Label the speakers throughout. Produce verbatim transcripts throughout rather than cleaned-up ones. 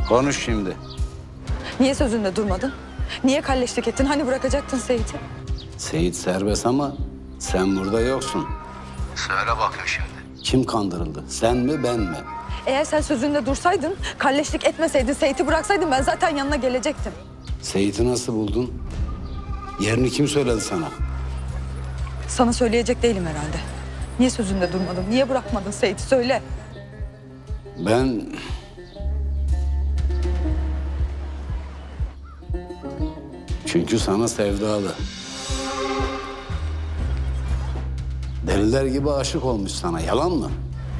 Speaker 1: Konuş şimdi.
Speaker 2: Niye sözünde durmadın? Niye kalleşlik ettin? Hani bırakacaktın Seyit'i?
Speaker 1: Seyit serbest ama sen burada yoksun. Söyle bakayım şimdi. Kim kandırıldı? Sen mi ben mi?
Speaker 2: Eğer sen sözünde dursaydın, kalleşlik etmeseydin, Seyit'i bıraksaydın ben zaten yanına gelecektim.
Speaker 1: Seyit'i nasıl buldun? Yerini kim söyledi sana?
Speaker 2: Sana söyleyecek değilim herhalde. Niye sözünde durmadın? Niye bırakmadın Seyit'i? Söyle.
Speaker 1: Ben... Çünkü sana sevdalı. Deliler gibi aşık olmuş sana. Yalan mı?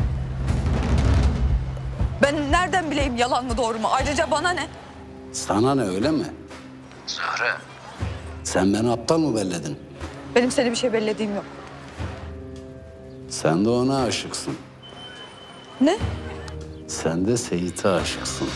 Speaker 2: Ben nereden bileyim yalan mı doğru mu? Ayrıca bana ne?
Speaker 1: Sana ne, öyle mi? Zahra. Sen beni aptal mı belledin?
Speaker 2: Benim seni bir şey bellediğim yok.
Speaker 1: Sen de ona aşıksın.
Speaker 2: Ne?
Speaker 1: Sen de Seyit'e aşıksın.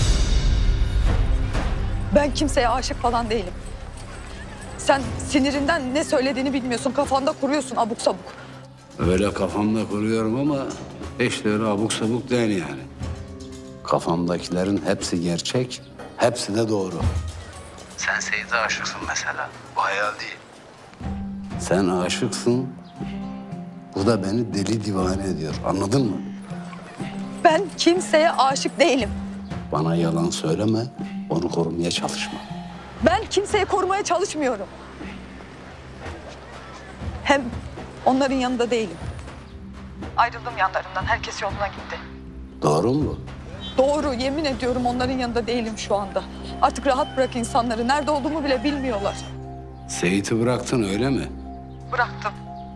Speaker 2: Ben kimseye aşık falan değilim. Sen sinirinden ne söylediğini bilmiyorsun. Kafanda kuruyorsun abuk sabuk.
Speaker 1: Öyle kafamda kuruyorum ama hiç de öyle abuk sabuk değil yani. Kafamdakilerin hepsi gerçek, hepsi de doğru. Sen Seyit'e aşıksın mesela. Bu hayal değil. Sen aşıksın. Bu da beni deli divane ediyor. Anladın mı?
Speaker 2: Ben kimseye aşık değilim.
Speaker 1: Bana yalan söyleme, onu korumaya çalışma.
Speaker 2: Ben kimseyi korumaya çalışmıyorum. Hem onların yanında değilim. Ayrıldım yanlarından. Herkes yoluna gitti.
Speaker 1: Doğru mu bu?
Speaker 2: Doğru. Yemin ediyorum onların yanında değilim şu anda. Artık rahat bırak insanları. Nerede olduğumu bile bilmiyorlar.
Speaker 1: Seyit'i bıraktın öyle mi?
Speaker 2: Bıraktım.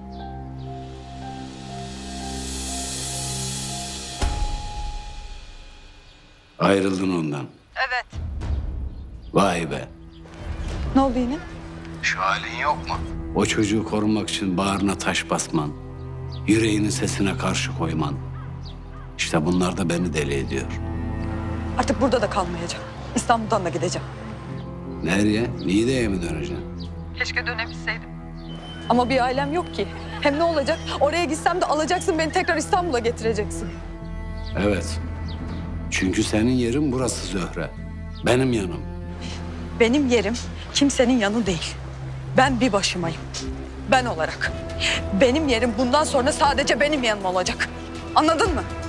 Speaker 1: Ayrıldın ondan.
Speaker 2: Evet.
Speaker 1: Vay be.
Speaker 2: Ne oldu yine?
Speaker 1: Şu halin yok mu? O çocuğu korumak için bağrına taş basman, yüreğinin sesine karşı koyman. İşte bunlar da beni deli ediyor.
Speaker 2: Artık burada da kalmayacağım. İstanbul'dan da gideceğim.
Speaker 1: Nereye? Niğde'ye mi döneceksin?
Speaker 2: Keşke dönebilseydim. Ama bir ailem yok ki. Hem ne olacak? Oraya gitsem de alacaksın beni tekrar İstanbul'a getireceksin.
Speaker 1: Evet. Çünkü senin yerin burası Zöhre. Benim yanım.
Speaker 2: Benim yerim kimsenin yanı değil. Ben bir başımayım. Ben olarak. Benim yerim bundan sonra sadece benim yanım olacak. Anladın mı?